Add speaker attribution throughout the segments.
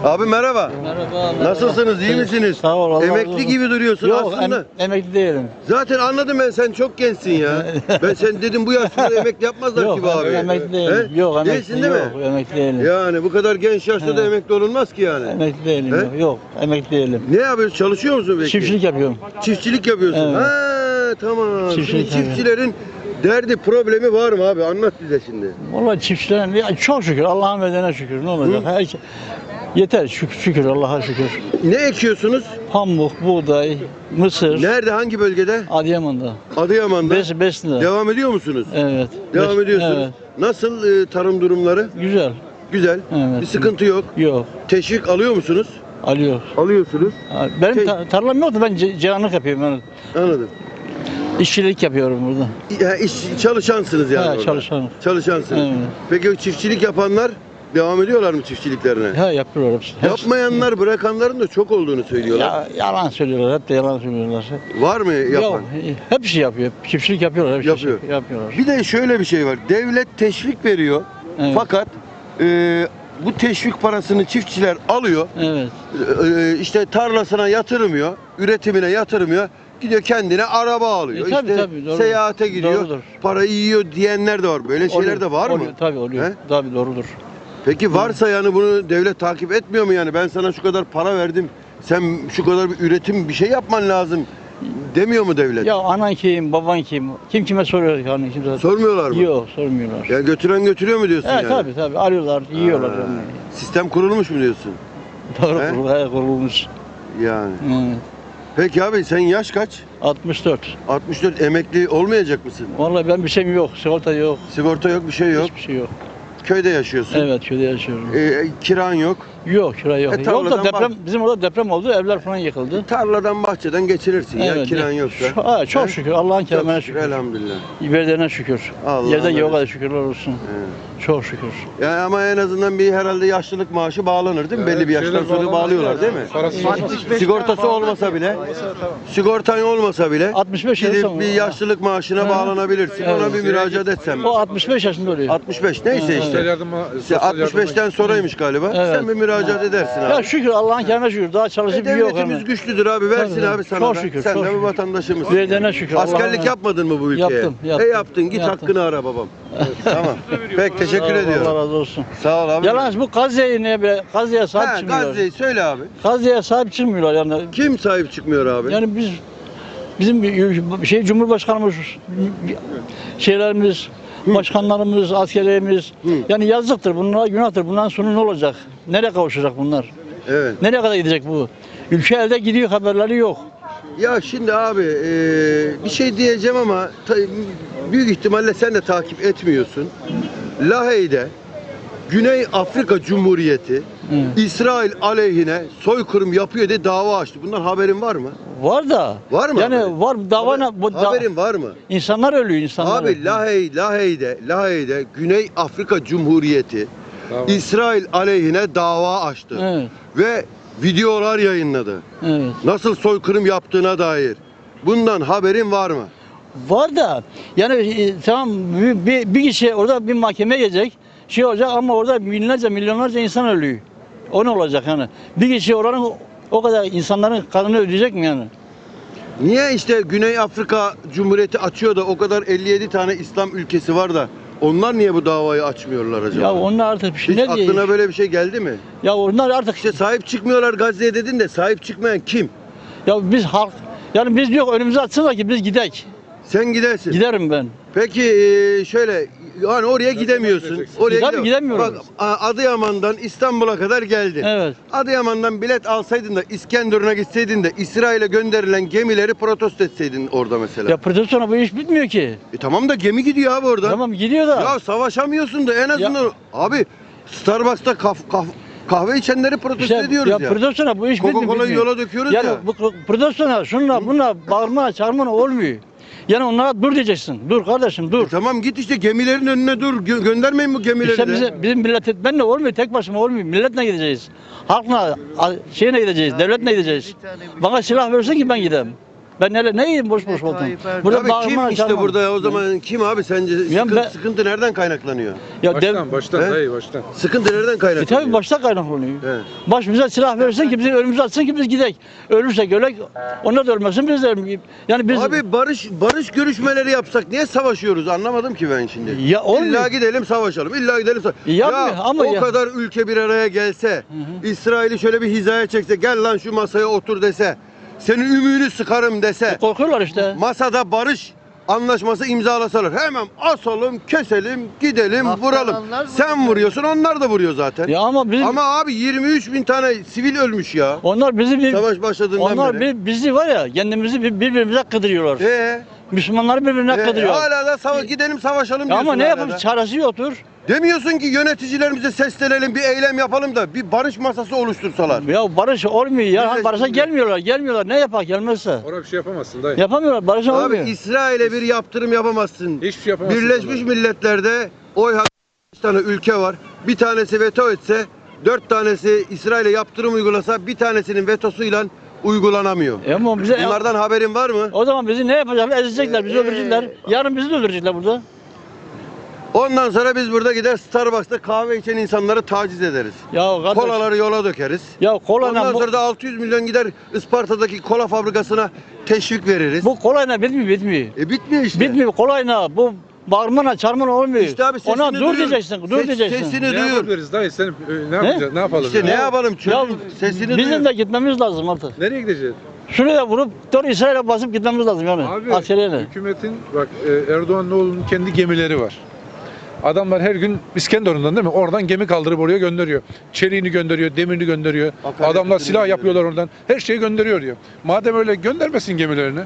Speaker 1: Abi merhaba.
Speaker 2: Merhaba.
Speaker 1: Nasılsınız? İyi misiniz?
Speaker 2: Sağ ol. Allah razı
Speaker 1: Emekli
Speaker 2: olsun.
Speaker 1: gibi duruyorsun
Speaker 2: Yok,
Speaker 1: aslında.
Speaker 2: emekli değilim.
Speaker 1: Zaten anladım ben, sen çok gençsin ya. Ben sen dedim bu yaşta emekli yapmazlar
Speaker 2: Yok,
Speaker 1: ki bu abi.
Speaker 2: emekli değilim.
Speaker 1: He?
Speaker 2: Yok, emekli
Speaker 1: Değilsin değil mi?
Speaker 2: yok, emekli değilim.
Speaker 1: Yani bu kadar genç yaşta da
Speaker 2: He.
Speaker 1: emekli olunmaz ki yani.
Speaker 2: Emekli değilim.
Speaker 1: He?
Speaker 2: Yok, yok, emekli değilim.
Speaker 1: Ne yapıyorsun? Çalışıyor musun peki?
Speaker 2: Çiftçilik yapıyorum.
Speaker 1: Çiftçilik yapıyorsun.
Speaker 2: Evet.
Speaker 1: Ha tamam.
Speaker 2: Çiftçilik
Speaker 1: Şimdi çiftçilerin derdi, problemi var mı abi? Anlat bize şimdi.
Speaker 2: Vallahi çiftçilerin ya çok şükür Allah'ın verdiğine şükür. Ne olacak? Yeter şükür Allah'a şükür.
Speaker 1: Ne ekiyorsunuz?
Speaker 2: Pamuk, buğday, mısır.
Speaker 1: Nerede? Hangi bölgede?
Speaker 2: Adıyaman'da.
Speaker 1: Adıyaman'da.
Speaker 2: Besinde.
Speaker 1: Devam ediyor musunuz?
Speaker 2: Evet.
Speaker 1: Devam ediyorsunuz.
Speaker 2: Evet.
Speaker 1: Nasıl tarım durumları?
Speaker 2: Güzel.
Speaker 1: Güzel.
Speaker 2: Evet.
Speaker 1: Bir sıkıntı yok.
Speaker 2: Yok.
Speaker 1: Teşvik alıyor musunuz?
Speaker 2: Alıyor.
Speaker 1: Alıyorsunuz.
Speaker 2: Benim
Speaker 1: Te-
Speaker 2: tarlam yoktu. Ben cihanlık yapıyorum. Yani.
Speaker 1: Anladım.
Speaker 2: İşçilik yapıyorum burada.
Speaker 1: Ya, çalışansınız yani.
Speaker 2: Ha,
Speaker 1: orada.
Speaker 2: çalışanım.
Speaker 1: Çalışansınız.
Speaker 2: Evet.
Speaker 1: Peki o çiftçilik yapanlar devam ediyorlar mı çiftçiliklerine?
Speaker 2: Ha yapıyorlar hepsi.
Speaker 1: Yapmayanlar, bırakanların da çok olduğunu söylüyorlar.
Speaker 2: Ya, yalan söylüyorlar. Hep de yalan söylüyorlar.
Speaker 1: Var mı yapan?
Speaker 2: Yok. Hepsi yapıyor. Çiftçilik yapıyorlar. Hepsi
Speaker 1: Yapıyor.
Speaker 2: Yapıyorlar.
Speaker 1: Bir de şöyle bir şey var. Devlet teşvik veriyor.
Speaker 2: Evet.
Speaker 1: Fakat bu teşvik parasını çiftçiler alıyor.
Speaker 2: Evet.
Speaker 1: İşte tarlasına yatırmıyor, üretimine yatırmıyor. Gidiyor kendine araba alıyor.
Speaker 2: Tabii,
Speaker 1: işte
Speaker 2: tabii, doğru.
Speaker 1: seyahate gidiyor.
Speaker 2: Doğrudur.
Speaker 1: Parayı yiyor diyenler de var. Böyle şeyler
Speaker 2: Oluyor,
Speaker 1: de var mı?
Speaker 2: oluyor, tabii oluyor.
Speaker 1: He?
Speaker 2: Tabii doğrudur.
Speaker 1: Peki varsa yani bunu devlet takip etmiyor mu yani? Ben sana şu kadar para verdim. Sen şu kadar bir üretim, bir şey yapman lazım demiyor mu devlet?
Speaker 2: Ya anan kim, baban kim? Kim kime soruyor yani? Kimse...
Speaker 1: Sormuyorlar mı?
Speaker 2: Yok, sormuyorlar.
Speaker 1: Yani götüren götürüyor mu diyorsun
Speaker 2: Evet,
Speaker 1: yani?
Speaker 2: tabii alıyorlar, yiyorlar.
Speaker 1: Ha,
Speaker 2: Yani.
Speaker 1: Sistem kurulmuş mu diyorsun?
Speaker 2: Doğru
Speaker 1: He?
Speaker 2: kurulmuş.
Speaker 1: Yani.
Speaker 2: Evet.
Speaker 1: Peki abi sen yaş kaç?
Speaker 2: 64.
Speaker 1: 64, emekli olmayacak mısın?
Speaker 2: Vallahi ben bir şeyim yok, sigorta yok.
Speaker 1: Sigorta yok, bir şey yok.
Speaker 2: Hiçbir şey yok.
Speaker 1: Köyde yaşıyorsun.
Speaker 2: Evet, köyde yaşıyorum.
Speaker 1: Kiran yok.
Speaker 2: Yok, kira yok.
Speaker 1: tarladan
Speaker 2: Yok da deprem, bizim orada deprem oldu, evler falan yıkıldı.
Speaker 1: Tarladan, bahçeden geçirirsin ya
Speaker 2: Evet,
Speaker 1: kiran yoksa.
Speaker 2: Çok
Speaker 1: He?
Speaker 2: şükür, Allah'ın
Speaker 1: Çok
Speaker 2: kerimine
Speaker 1: şükür,
Speaker 2: şükür.
Speaker 1: elhamdülillah.
Speaker 2: Verdiğine şükür.
Speaker 1: Allah
Speaker 2: Yerde
Speaker 1: Allah.
Speaker 2: yok kadar şükürler olsun.
Speaker 1: He.
Speaker 2: Çok şükür.
Speaker 1: Ya ama en azından bir herhalde yaşlılık maaşı bağlanır değil mi? Belli bir yaştan sonra bağlıyorlar değil mi? Sigortası olmasa bile, sigortan olmasa bile
Speaker 2: 65
Speaker 1: gidip
Speaker 2: yaşında.
Speaker 1: bir yaşlılık maaşına bağlanabilirsin.
Speaker 2: Evet.
Speaker 1: Ona bir müracaat etsen.
Speaker 2: O 65 yaşında oluyor.
Speaker 1: 65 neyse
Speaker 2: Evet.
Speaker 1: işte. İşte 65'ten sonraymış galiba.
Speaker 2: Evet.
Speaker 1: Sen bir müracaat edersin abi.
Speaker 2: Ya şükür Allah'ın kerimine şükür. Daha çalışıp bir yok
Speaker 1: Devletimiz
Speaker 2: ama.
Speaker 1: güçlüdür abi, versin
Speaker 2: Tabii,
Speaker 1: abi sana
Speaker 2: çok
Speaker 1: da.
Speaker 2: şükür,
Speaker 1: Sen
Speaker 2: çok
Speaker 1: de bir
Speaker 2: şükür.
Speaker 1: vatandaşımızsın.
Speaker 2: Verdiğine şükür.
Speaker 1: Askerlik
Speaker 2: Allah'ın-
Speaker 1: yapmadın mı bu ülkeye?
Speaker 2: Yaptım.
Speaker 1: Yaptın, git
Speaker 2: Yaptım.
Speaker 1: hakkını ara babam. Tamam. Peki teşekkür
Speaker 2: Allah
Speaker 1: ediyorum.
Speaker 2: razı olsun.
Speaker 1: Sağ ol abi.
Speaker 2: Yalnız bu Gazze'ye niye be? Gazze'ye sahip
Speaker 1: Ha,
Speaker 2: çıkmıyorlar.
Speaker 1: Gazze'yi söyle abi.
Speaker 2: Gazze'ye sahip çıkmıyorlar yani.
Speaker 1: Kim sahip çıkmıyor abi?
Speaker 2: Yani bizim Cumhurbaşkanımız, şeylerimiz, başkanlarımız, askerlerimiz yani yazıktır bunlara, günahtır. Bundan sonra ne olacak? Nereye kavuşacak bunlar?
Speaker 1: Evet.
Speaker 2: Nereye kadar gidecek bu? Ülke elde gidiyor, haberleri yok.
Speaker 1: Ya şimdi abi bir şey diyeceğim ama büyük ihtimalle sen de takip etmiyorsun. Lahey'de Güney Afrika Cumhuriyeti İsrail aleyhine soykırım yapıyor diye dava açtı. Bundan haberin var mı?
Speaker 2: Var da.
Speaker 1: Var mı
Speaker 2: Yani
Speaker 1: haberin?
Speaker 2: var davana
Speaker 1: Haberin var mı?
Speaker 2: insanlar ölüyor insanlar.
Speaker 1: Abi Lahey'de Güney Afrika Cumhuriyeti İsrail aleyhine dava açtı.
Speaker 2: Evet.
Speaker 1: Ve videolar yayınladı.
Speaker 2: Evet.
Speaker 1: Nasıl soykırım yaptığına dair. Bundan haberin var mı?
Speaker 2: Var da yani tamam bir kişi orada bir mahkemeye gelecek şey olacak ama orada binlerce milyonlarca insan ölüyor. O ne olacak yani? Bir kişi oranın o kadar insanların kanını ödeyecek mi yani?
Speaker 1: Niye işte Güney Afrika Cumhuriyeti açıyor da o kadar 57 tane İslam ülkesi var da onlar niye bu davayı açmıyorlar acaba?
Speaker 2: Ya onlar artık bir şey
Speaker 1: Hiç
Speaker 2: ne diye?
Speaker 1: aklına böyle bir şey geldi mi?
Speaker 2: Ya onlar artık
Speaker 1: İşte sahip çıkmıyorlar Gazze'ye dedin de sahip çıkmayan kim?
Speaker 2: ya biz halk yani biz yok önümüze atsınlar ki biz gidek.
Speaker 1: Sen gidersin.
Speaker 2: Giderim ben.
Speaker 1: Peki şöyle yani oraya gidemiyorsun. Oraya
Speaker 2: Tabii gidemiyorum.
Speaker 1: Bak Adıyaman'dan İstanbul'a kadar geldin.
Speaker 2: Evet.
Speaker 1: Adıyaman'dan bilet alsaydın da İskenderun'a gitseydin de İsrail'e gönderilen gemileri protesto etseydin orada mesela.
Speaker 2: Ya protestoyla bu iş bitmiyor ki.
Speaker 1: Tamam da gemi gidiyor abi oradan.
Speaker 2: Tamam gidiyor da.
Speaker 1: Ya savaşamıyorsun da en azından abi Starbucks'ta kahve içenleri protesto ediyoruz ya.
Speaker 2: Ya protestoyla bu iş bitmiyor.
Speaker 1: Coca-Cola'yı yola döküyoruz
Speaker 2: yani
Speaker 1: ya.
Speaker 2: bu protestoyla şunla bununla bağırma çağırma olmuyor. Yani onlara dur diyeceksin. Dur kardeşim dur.
Speaker 1: Tamam git işte gemilerin önüne dur. Göndermeyin bu gemileri
Speaker 2: İşte
Speaker 1: de.
Speaker 2: bizim millet etmenle olmuyor. Tek başıma olmuyor. Milletle gideceğiz. Halkla şeyine gideceğiz. Devletle gideceğiz. Bana silah versin ki ben gideyim. Ben ne yiyeyim boş boş oldum.
Speaker 3: Tayyip Erdoğan.
Speaker 2: Burada
Speaker 1: Abi
Speaker 2: bağırma,
Speaker 1: kim işte
Speaker 2: çağırma.
Speaker 1: burada ya? O zaman kim abi sence?
Speaker 2: Ya
Speaker 1: Sıkıntı,
Speaker 2: ben-
Speaker 1: sıkıntı nereden kaynaklanıyor?
Speaker 2: Ya
Speaker 4: Baştan
Speaker 1: He?
Speaker 4: dayı baştan.
Speaker 1: Sıkıntı nereden kaynaklanıyor?
Speaker 2: tabii başta kaynaklanıyor.
Speaker 1: He.
Speaker 2: Baş bize silah verirse ki bizi önümüze atsın ki biz gidek. Ölürsek ölek, onlar da ölmesin biz de ölmeyelim. Yani biz
Speaker 1: Abi barış görüşmeleri yapsak niye savaşıyoruz? Anlamadım ki ben şimdi.
Speaker 2: Ya olmuyor.
Speaker 1: İlla gidelim savaşalım. İlla gidelim
Speaker 2: Yapmıyor ama
Speaker 1: o
Speaker 2: ya-
Speaker 1: kadar ülke bir araya gelse, İsrail'i şöyle bir hizaya çekse, gel lan şu masaya otur dese, senin ümüğünü sıkarım dese,
Speaker 2: korkuyorlar işte.
Speaker 1: masada barış anlaşması imzalasalar hemen asalım, keselim, gidelim,
Speaker 3: Haftalanlar
Speaker 1: vuralım.
Speaker 3: vuruyor.
Speaker 1: Sen vuruyorsun, onlar da vuruyor zaten.
Speaker 2: Ya ama bizim
Speaker 1: Ama abi 23 bin tane sivil ölmüş ya.
Speaker 2: onlar bizi bir
Speaker 1: Savaş başladığından
Speaker 2: onlar
Speaker 1: beri.
Speaker 2: bizi var ya kendimizi birbirimize kıdırıyorlar. Müslümanları birbirine kıdırıyor.
Speaker 1: Hala da gidelim savaşalım
Speaker 2: Ya
Speaker 1: diyorsun.
Speaker 2: ama ne
Speaker 1: hala
Speaker 2: yapalım
Speaker 1: da.
Speaker 2: çaresi yoktur.
Speaker 1: Demiyorsun ki yöneticilerimize seslenelim, bir eylem yapalım da bir barış masası oluştursalar.
Speaker 2: Ya barış olmuyor ya.
Speaker 1: Biz de
Speaker 2: Barışa
Speaker 1: şimdi-
Speaker 2: gelmiyorlar. Ne yapak gelmezse.
Speaker 4: Orada bir şey yapamazsın dayı.
Speaker 2: Yapamıyorlar. Barışa
Speaker 1: Abi
Speaker 2: olmuyor.
Speaker 1: İsrail'e bir yaptırım yapamazsın.
Speaker 4: Hiçbir şey yapamazsın.
Speaker 1: Birleşmiş
Speaker 4: vallahi.
Speaker 1: Milletler'de oy hakkı 5 tane ülke var. Bir tanesi veto etse, 4 tanesi İsrail'e yaptırım uygulasa, bir tanesinin vetosuyla uygulanamıyor.
Speaker 2: Ama bize
Speaker 1: Bunlardan haberin var mı?
Speaker 2: o zaman bizi ne yapacaklar? Ezecekler, bizi öldürecekler. Yarın bizi de öldürecekler burada.
Speaker 1: Ondan sonra biz burada gider Starbucks'ta kahve içen insanları taciz ederiz.
Speaker 2: Ya kardeş.
Speaker 1: Kolaları yola dökeriz.
Speaker 2: Ya kolayla
Speaker 1: Ondan
Speaker 2: bu,
Speaker 1: sonra da 600 milyon gider Isparta'daki kola fabrikasına teşvik veririz.
Speaker 2: bu kolayla bitmiyor.
Speaker 1: Bitmiyor işte.
Speaker 2: Bitmiyor kolayla. Bu bağırmana çarmana olmuyor.
Speaker 1: İşte abi sesini
Speaker 2: Ona dur
Speaker 1: duyur.
Speaker 2: diyeceksin. Dur diyeceksin.
Speaker 1: Sesini
Speaker 4: Ne
Speaker 1: duyur.
Speaker 4: yapabiliriz dayı? Sen ne yapacağız? Ne yapalım?
Speaker 1: İşte
Speaker 4: ya?
Speaker 1: ne yapalım?
Speaker 2: Ya
Speaker 1: Çocuk sesini
Speaker 2: bizim
Speaker 1: duyur.
Speaker 2: de gitmemiz lazım artık.
Speaker 4: Nereye gideceğiz?
Speaker 2: Şuraya vurup doğru İsrail'e basıp gitmemiz lazım yani.
Speaker 4: Abi
Speaker 2: Askeriyle.
Speaker 4: hükümetin bak Erdoğan'ın kendi gemileri var. Adamlar her gün İskenderun'dan değil mi? Oradan gemi kaldırıp oraya gönderiyor. Çeliğini gönderiyor, demirini gönderiyor.
Speaker 1: Akaryakıtını
Speaker 4: Adamlar silah
Speaker 1: gönderiyor.
Speaker 4: yapıyorlar oradan. Her şeyi gönderiyor diyor. Madem öyle göndermesin gemilerini.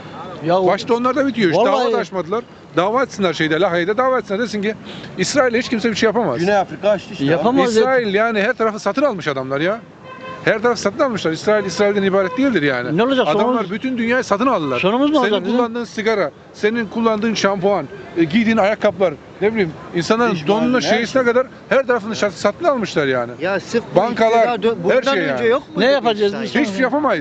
Speaker 2: Ya
Speaker 4: Başta onlar da bitiyor. İşte
Speaker 2: Vallahi-
Speaker 4: dava da açmadılar. Dava etsinler şeyde, Lahey'de dava etsinler. Desin ki İsrail'e hiç kimse bir şey yapamaz.
Speaker 1: Güney Afrika açtı işte.
Speaker 2: Yapamaz.
Speaker 4: İsrail yani her tarafı satın almış adamlar ya. Her tarafı satın almışlar. İsrail'den ibaret değildir yani.
Speaker 2: Ne olacak?
Speaker 4: Adamlar
Speaker 2: Sonumuz-
Speaker 4: bütün dünyayı satın aldılar.
Speaker 2: Sonumuz ne
Speaker 4: Senin
Speaker 2: olacak bizim?
Speaker 4: kullandığın sigara, senin kullandığın şampuan, giydiğin ayakkabılar, ne bileyim insanların
Speaker 1: İş
Speaker 4: donuna
Speaker 1: malzeme, her
Speaker 4: şeysine kadar her tarafını satın almışlar yani.
Speaker 3: Ya sırf bu
Speaker 4: Bankalar,
Speaker 3: iktidar
Speaker 4: her
Speaker 3: bundan
Speaker 4: şey
Speaker 3: önce
Speaker 4: yani.
Speaker 3: yok mu?
Speaker 2: Ne yapacağız biz?
Speaker 4: Hiçbir şey yapamayız.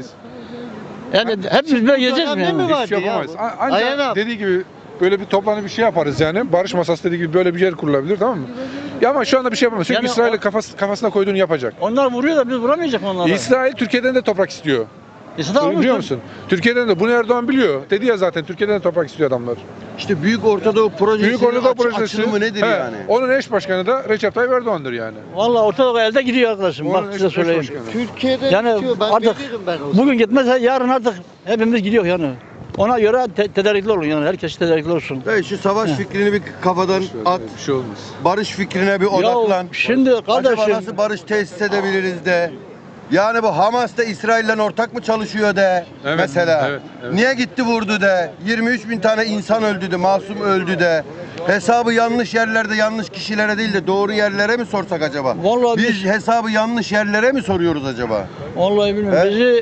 Speaker 2: Yani hepimiz böyle yiyeceğiz mi
Speaker 3: dönemde mi
Speaker 2: yani?
Speaker 3: var?
Speaker 4: Hiçbir şey
Speaker 3: Vardı ya
Speaker 4: yapamayız.
Speaker 3: bu.
Speaker 4: Ancak
Speaker 3: Aynen abi.
Speaker 4: dediği gibi böyle bir toplanıp bir şey yaparız yani. Barış masası dediği gibi böyle bir yer kurulabilir, tamam mı? Ya ama şu anda bir şey yapamayız. Çünkü
Speaker 2: Yani
Speaker 4: İsrail'e kafasına koyduğunu yapacak.
Speaker 2: Onlar vuruyor da biz vuramayacak mı onlara?
Speaker 4: İsrail Türkiye'den de toprak istiyor.
Speaker 2: İsrail
Speaker 4: Biliyor musun? Türkiye'den de bunu Erdoğan biliyor. Dedi ya zaten Türkiye'den de toprak istiyor adamlar.
Speaker 1: İşte Büyük Ortadoğu Projesi'nin
Speaker 4: Büyük Ortadoğu Projesi
Speaker 1: açılımı nedir
Speaker 4: he,
Speaker 1: yani?
Speaker 4: Onun eş başkanı da Recep Tayyip Erdoğan'dır yani.
Speaker 2: Vallahi Ortadoğu elde gidiyor arkadaşım.
Speaker 4: Onun
Speaker 2: Bak size
Speaker 4: eş
Speaker 2: söyleyeyim.
Speaker 4: başkanı.
Speaker 3: Türkiye'de
Speaker 2: Yani
Speaker 3: bitiyor. Ben
Speaker 2: artık
Speaker 3: bilirim ben o.
Speaker 2: bugün gitmezse yarın artık hepimiz gidiyor yani. Ona göre tedarikli olun yani. Herkes tedarikli olsun.
Speaker 1: Dayı şu savaş fikrini bir kafadan at.
Speaker 4: Bir şey olmaz.
Speaker 1: Barış fikrine bir odaklan.
Speaker 2: Ya şimdi
Speaker 1: Acaba
Speaker 2: kardeşim
Speaker 1: nasıl barış tesis edebiliriz de. Yani bu Hamas da İsrail'le ortak mı çalışıyor de
Speaker 4: Evet,
Speaker 1: mesela.
Speaker 4: evet.
Speaker 1: Niye gitti vurdu de. 23 bin tane insan öldü de, masum öldü de. Hesabı yanlış yerlerde yanlış kişilere değil de doğru yerlere mi sorsak acaba?
Speaker 2: Vallahi
Speaker 1: Biz hesabı yanlış yerlere mi soruyoruz acaba?
Speaker 2: vallahi bilmiyorum.
Speaker 1: He?
Speaker 2: Bizi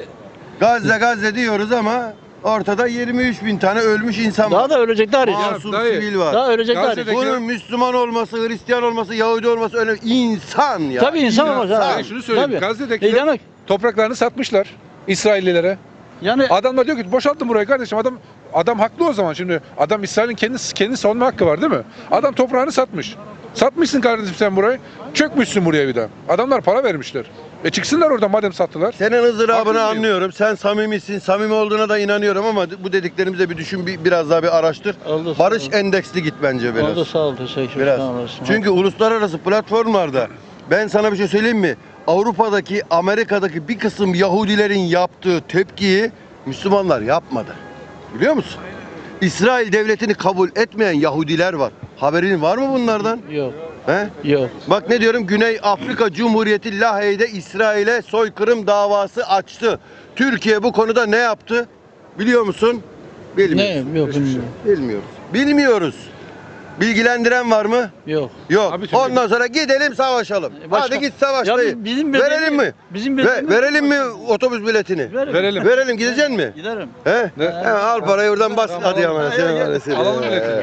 Speaker 1: Gazze diyoruz ama ortada 23 bin tane ölmüş insan
Speaker 2: daha
Speaker 1: var.
Speaker 2: da ölecekler hiç.
Speaker 1: Masum
Speaker 4: dayı,
Speaker 1: sivil var.
Speaker 2: Daha ölecekler hiç.
Speaker 4: Gazze'deki-
Speaker 1: Bunun Müslüman olması, Hristiyan olması, Yahudi olması önemli. İnsan ya.
Speaker 2: Tabii insan olmaz ha.
Speaker 4: Ben şunu söyleyeyim.
Speaker 2: Tabii.
Speaker 4: Gazze'dekiler
Speaker 2: demek
Speaker 4: topraklarını satmışlar İsraillilere.
Speaker 2: yani
Speaker 4: Adamlar diyor ki boşaltın burayı kardeşim. Adam haklı o zaman şimdi. Adam İsrail'in kendi savunma hakkı var değil mi? Adam toprağını satmış. Satmışsın kardeşim sen burayı. Çökmüşsün buraya bir daha. Adamlar para vermişler. Çıksınlar oradan madem sattılar.
Speaker 1: Senin ızdırabını
Speaker 4: Haksız mıyım?
Speaker 1: anlıyorum. Sen samimisin. Samimi olduğuna da inanıyorum ama bu dediklerimize bir düşün, biraz daha bir araştır.
Speaker 2: Oldu,
Speaker 1: Barış
Speaker 2: sağ ol.
Speaker 1: endeksli git bence biraz.
Speaker 2: oldu sağ ol teşekkür
Speaker 1: Biraz.
Speaker 2: sağ olasın.
Speaker 1: Çünkü uluslararası platformlarda ben sana bir şey söyleyeyim mi? Avrupa'daki, Amerika'daki bir kısım Yahudilerin yaptığı tepkiyi Müslümanlar yapmadı. Biliyor musun? İsrail devletini kabul etmeyen Yahudiler var. Haberin var mı bunlardan?
Speaker 2: Yok
Speaker 1: He?
Speaker 2: yok.
Speaker 1: Bak ne diyorum, Güney Afrika Cumhuriyeti Lahey'de İsrail'e soykırım davası açtı. Türkiye bu konuda ne yaptı? Biliyor musun? Bilmiyoruz.
Speaker 2: Ne yok bilmiyorum.
Speaker 1: Bilmiyoruz. Bilmiyoruz. Bilgilendiren var mı?
Speaker 2: Yok.
Speaker 1: Yok.
Speaker 4: Abi Türkiye-
Speaker 1: Ondan sonra gidelim savaşalım.
Speaker 2: Başka-
Speaker 1: Hadi git savaş
Speaker 2: Ya
Speaker 1: dayı.
Speaker 2: bizim
Speaker 1: Verelim mi?
Speaker 2: Bizim bildiğimiz-
Speaker 1: Verelim mi otobüs biletini?
Speaker 4: Verelim.
Speaker 1: Verelim, gideceksin mi?
Speaker 2: Giderim.
Speaker 1: He? Hemen al parayı oradan bas.
Speaker 4: Tamam,
Speaker 1: hadi
Speaker 4: alalım.
Speaker 1: ama sen var ya sen.
Speaker 4: Alalım biletini.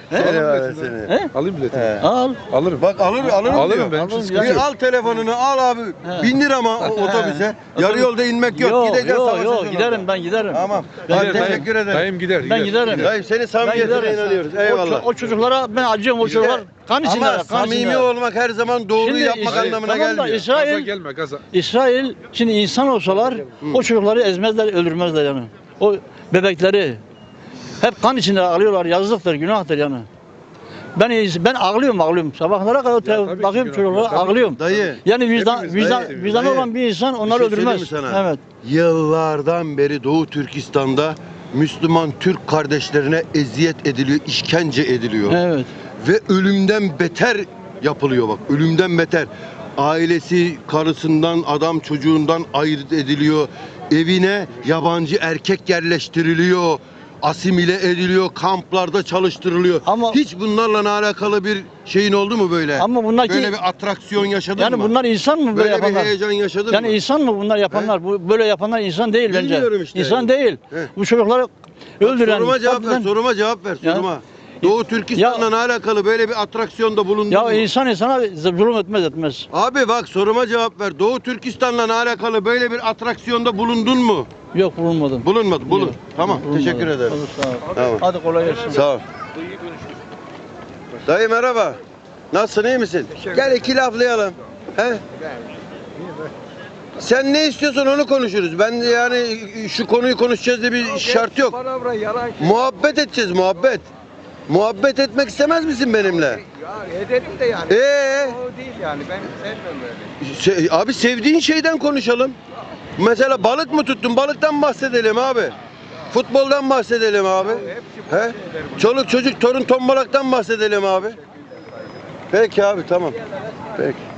Speaker 1: Seni var ya
Speaker 4: biletini.
Speaker 1: seni.
Speaker 2: He?
Speaker 4: Alayım biletini.
Speaker 1: He.
Speaker 2: Al.
Speaker 4: Alırım.
Speaker 1: Bak alırım
Speaker 4: Alırım
Speaker 1: diyor.
Speaker 4: ben. Hiç sıkıntı
Speaker 2: yani.
Speaker 1: Bir
Speaker 4: yok.
Speaker 1: al telefonunu al abi.
Speaker 2: He.
Speaker 1: 1000 lira mı otobüse? Yarı yolda inmek yok. Gideceğiz savaşacağız
Speaker 2: Yok
Speaker 1: orada.
Speaker 2: giderim ben giderim.
Speaker 1: Tamam.
Speaker 2: Ben
Speaker 1: Hadi
Speaker 4: Gider,
Speaker 1: teşekkür ederim.
Speaker 4: Dayım gider.
Speaker 2: Ben giderim.
Speaker 1: Dayım senin
Speaker 2: Ben
Speaker 1: samimiyetine
Speaker 2: giderim.
Speaker 1: inanıyoruz.
Speaker 2: O,
Speaker 1: Eyvallah.
Speaker 2: o çocuklara ben acıyorum, o çocuklar kan içinde.
Speaker 1: Ama samimi olmak her zaman doğruyu
Speaker 2: Şimdi
Speaker 1: yapmak
Speaker 2: İsrail-
Speaker 1: anlamına
Speaker 2: tamam da
Speaker 1: gelmiyor.
Speaker 2: İsrail-
Speaker 4: Gaza gelme gaza.
Speaker 2: İsrail şimdi insan olsalar o çocukları ezmezler, öldürmezler yani. O bebekleri hep kan içinde ağlıyorlar. Yazıktır, günahtır yani. Ben ağlıyorum. Sabahlara kadar
Speaker 4: tabii ki
Speaker 2: bakıyorum
Speaker 4: günah.
Speaker 2: çocuklara
Speaker 4: Tabii.
Speaker 2: ağlıyorum.
Speaker 1: Dayı.
Speaker 2: Yani
Speaker 4: Hepimiz
Speaker 2: vicdanı
Speaker 1: dayı.
Speaker 2: olan bir insan onları
Speaker 1: Bir şey söyleyeyim
Speaker 2: öldürmez.
Speaker 1: mi sana?
Speaker 2: Evet.
Speaker 1: Yıllardan beri Doğu Türkistan'da Müslüman Türk kardeşlerine eziyet ediliyor, işkence ediliyor.
Speaker 2: Evet.
Speaker 1: Ve ölümden beter yapılıyor bak. Ölümden beter. Ailesi karısından, adam çocuğundan ayırt ediliyor. Evine yabancı erkek yerleştiriliyor. Asimile ediliyor, kamplarda çalıştırılıyor.
Speaker 2: Ama-
Speaker 1: hiç bunlarla alakalı bir şeyin oldu mu böyle?
Speaker 2: Ama bunlar
Speaker 1: böyle
Speaker 2: ki-
Speaker 1: bir atraksiyon yaşadın
Speaker 2: Yani
Speaker 1: mı?
Speaker 2: bunlar insan mı böyle
Speaker 1: böyle bir
Speaker 2: yapanlar?
Speaker 1: heyecan yaşadın
Speaker 2: Yani
Speaker 1: mı?
Speaker 2: insan mı bunlar yapanlar? Bu böyle yapanlar insan değil bence.
Speaker 1: Bilmiyorum işte.
Speaker 2: İnsan değil.
Speaker 1: He.
Speaker 2: Bu çocukları öldüren.
Speaker 1: Soruma cevap ver,
Speaker 2: katleden-
Speaker 1: soruma cevap ver,
Speaker 2: Ya-
Speaker 1: soruma. Doğu Türkistan'la alakalı böyle bir atraksiyonda bulundun
Speaker 2: Ya
Speaker 1: mu?
Speaker 2: insan insana zulüm etmez.
Speaker 1: Abi bak soruma cevap ver. Doğu Türkistan'la alakalı böyle bir atraksiyonda bulundun mu?
Speaker 2: Yok bulunmadım.
Speaker 1: Bulunmadı, bulun.
Speaker 2: Yok,
Speaker 1: Tamam,
Speaker 2: bulunmadım.
Speaker 1: teşekkür ederim.
Speaker 2: Olur, sağ ol.
Speaker 1: Tamam.
Speaker 2: Hadi kolay gelsin.
Speaker 1: Sağ ol. Dayı merhaba. Nasılsın, iyi misin? Gel iki laflayalım. He? Sen ne istiyorsan onu konuşuruz. Ben yani şu konuyu konuşacağız diye bir şart yok. Muhabbet edeceğiz, muhabbet. Muhabbet etmek istemez misin benimle?
Speaker 3: Ya edelim de yani. O değil yani. Ben sevmem öyle.
Speaker 1: Abi sevdiğin şeyden konuşalım. Mesela balık mı tuttun? Balıktan bahsedelim abi. Futboldan bahsedelim abi. He? Çoluk çocuk torun tombalaktan bahsedelim abi. Peki abi tamam. Peki.